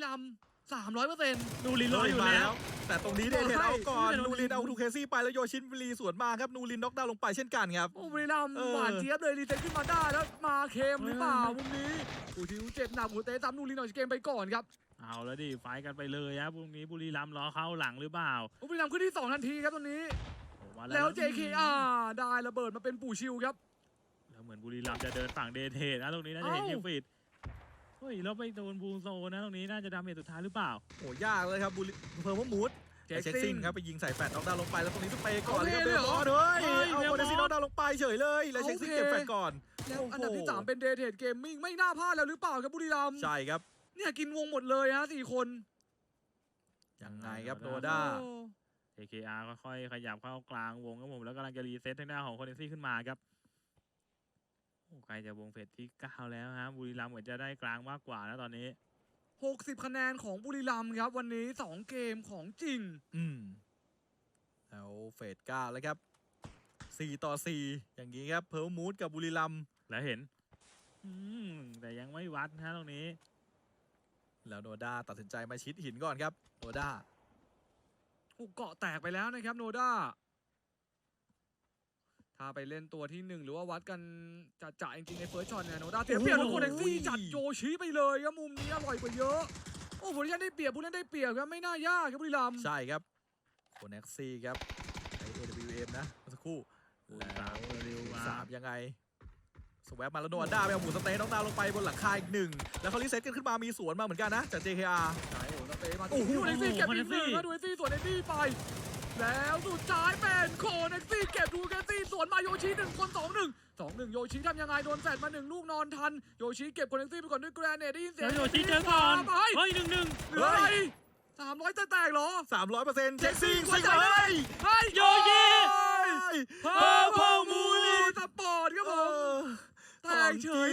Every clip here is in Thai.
รัมย์300% นูรินรออยู่แล้วแต่ตรงนี้เดเทนเอาก่อนนูรินเอาทูเคซี่ไปแล้วโยชินบุรีสวนมาครับนูรินน็อกดาวน์ลงไปเช่นกันครับโอ้บุรีรัมย์หวานเจี๊ยบเลยรีเซ็ตขึ้นมาได้แล้วมาเค็มหรือเปล่ามุมนี้อูทิวเจ็บหนักหัวเตะตามนูรินออกจากเกมไปก่อนครับเอาแล้วดิไฟกันไปเลยครับพรุ่งนี้บุรีรัมย์รอเข้าหลังหรือเปล่าบุรีรัมย์ขึ้นที่2ทันทีครับตอนนี้มาแล้ว JKR ได้ระเบิดมาเป็นปู่ชิวครับแล้วเหมือนบุรีรัมย์จะเดินฝั่งเดเทนนะตรงนี้น่าจะเห็นคิวฟิตเฮ้ยแล้วไปโดนบูโซนะตรงนี้น่าจะดาเมจสุดท้ายหรือเปล่าโอ้ยากเลยครับเพอร์มูดเช็คซิงครับไปยิงใส่แฟดน็อกดาวน์ลงไปแล้วตรงนี้สเปย์ก่อนเลยครับเบลบอลเลยเอาโคเดซี่น็อกดาวน์ลงไปเฉยเลยแล้วเช็คซิงเก็บแฟดก่อนแล้วอันดับที่3เป็นเดเทดเกมมิ่งไม่น่าพลาดแล้วหรือเปล่าครับบุรีรัมย์ใช่ครับเนี่ยกินวงหมดเลยฮะ4 คนยังไงครับโนด้า JKR ค่อยๆขยับเข้ากลางวงครับผมแล้วกำลังจะรีเซ็ตทางด้านของโคเดซี่ขึ้นมาครับโอ้ใกล้จะวงเฟสที่9แล้วฮะบุรีรัมย์เหมือนจะได้กลางมากกว่าแล้วตอนนี้ 60 คะแนนของบุรีรัมย์ครับวันนี้2เกมของจริงแล้วเฟส9แล้วครับ4-4อย่างนี้ครับเพอร์มูดกับบุรีรัมย์แล้วเห็นแต่ยังไม่วัดนะตรงนี้แล้วโนด้าตัดสินใจมาชิดหินก่อนครับโนด้าเกาะแตกไปแล้วนะครับโนด้าถ้าไปเล่นตัวที่1หรือว่าวัดกันจะจริงๆในเฟิร์สช็อตเนี่ยโนด้าเสียเปรียบแล้วโคเน็กซี่จัดโยชิไปเลยครับมุมนี้อร่อยกว่าเยอะโอ้โหผู้เล่นได้เปรียบผู้เล่นได้เปรียบครับไม่น่ายากครับบุรีรัมย์ใช่ครับโคเน็กซี่ครับไอ AWM นะเมื่อสักครู่แล้ว3ยังไงสวปมาแล้วโนด้าไปเอาหมูสเต๊น้องดาวลงไปบนหลังคาอีก1แล้วเขารีเซ็ตกันขึ้นมามีสวนมาเหมือนกันนะจาก JKR ใช่โอ้สเต๊มาดูเน็กซี่เก็บอีก1แล้วดูเน็กซี่สวนเน็กซี่ไปแล้วสุดท้ายเป็นโคเน็กซี่เก็บดูเน็กซี่สวนมาโยชิ1 คน 2-1โยชิทำยังไงโดนแฟดมา1 ลูกนอนทันโยชิเก็บโคเน็กซี่ไปก่อนด้วยแกรเนตได้ยินเสียงโยชิเจอก่อนเฮ้ย1-1 เหลืออะไร300จะแตกเหรอ 300%เช็คซิงซิงเลยโยชิเพอร์พมูลีสปอร์ตครับผมแตกเฉย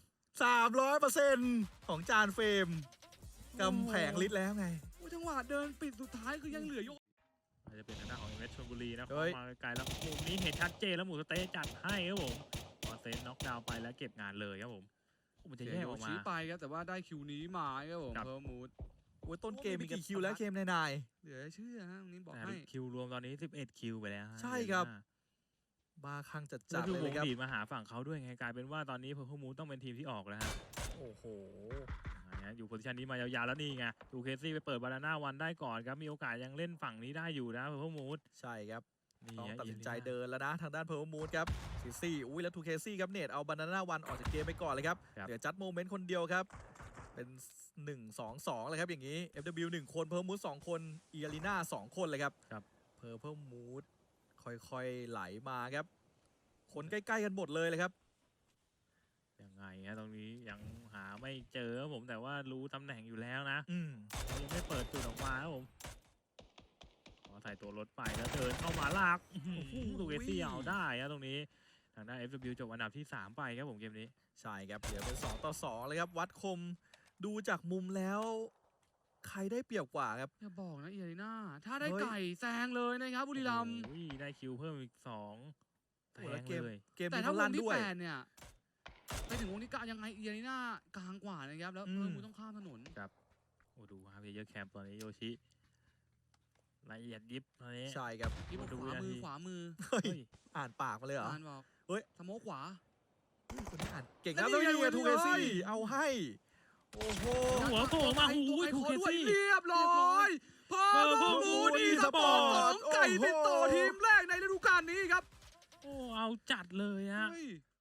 300%ของจานเฟรมกำแพงลิตแล้วไงจังหวะเดินปิดสุดท้ายคือยังเหลือโยจะเป็นทางด้านของเอเมชลบุรีนะเข้ามาไกลแล้วมุมนี้เห็นชัดเจนแล้วหมูสเต๊จัดให้ครับผมพอเซนน็อกดาวน์ไปแล้วเก็บงานเลยครับผมมันจะแยกออกมาไปครับแต่ว่าได้คิวนี้มาครับผมเพอร์มูดต้นเกมมีกี่คิวแล้วเกมนายเหลือเชื่อฮะตรงนี้บอกให้คิวรวมตอนนี้11คิวไปแล้วใช่ครับบาคังจัดเลยครับดีมาหาฝั่งเขาด้วยไงกลายเป็นว่าตอนนี้เพอร์มูดต้องเป็นทีมที่ออกแล้วฮะโอ้โหอยู่โพซิชันนี้มายาวๆแล้วนี่ไงดูเคซี่ไปเปิดบานาน่าวันได้ก่อนครับมีโอกาสยังเล่นฝั่งนี้ได้อยู่นะเพอร์มูดใช่ครับต้องตัดสินใจเดินแล้วนะทางด้านเพอร์มูดครับซี่อุ้ยแล้วทูเคซี่ครับเนตเอาบานาน่าวันออกจากเกมไปก่อนเลยครับเหลือจัดโมเมนต์คนเดียวครับเป็น1-2-2เลยครับอย่างนี้ FW 1 คนเพอร์มูด2 คนอีอารีนา2 คนเลยครับเพอร์มูดค่อยๆไหลมาครับคนใกล้ๆกันหมดเลยครับยังไงฮะตรงนี้ยังหาไม่เจอผมแต่ว่ารู้ตำแหน่งอยู่แล้วนะยังไม่เปิดจุดออกมาครับผมขอใส่ตัวรถไปแล้วเดินเข้ามาลากดูเอซี่เอาได้ฮะตรงนี้ทางด้าน FW จบอันดับที่3ไปครับผมเกมนี้ใช่ครับเดี๋ยวเป็น2-2เลยครับวัดคมดูจากมุมแล้วใครได้เปรียบกว่าครับอย่าบอกนะอีอารีนาถ้าได้ไก่แซงเลยนะครับบุรีรัมย์ได้คิวเพิ่มอีก2แซงเลยแต่ถ้าวงที่8เนี่ยไปถึงวงที่9ยังไงอีอารีนากลางกว่านะครับแล้วมูต้องข้ามถนนครับโอ้ดูครับเยอะแคมป์ตอนนี้โยชิละเอียดยิบตอนนี้ใช่ครับขวามืออ่านปากมาเลยเหรออ่านบอกเฮ้ยสโมกขวาคนนี้อ่านเก่งนะแล้วยังไงทูเคซี่เอาให้โอ้โหหัวโผล่มาหูทูเคซี่เรียบร้อยเพอร์มูดอีสปอร์ต2 ไก่ติดต่อทีมแรกในฤดูกาลนี้ครับโอ้เอาจัดเลยฮะ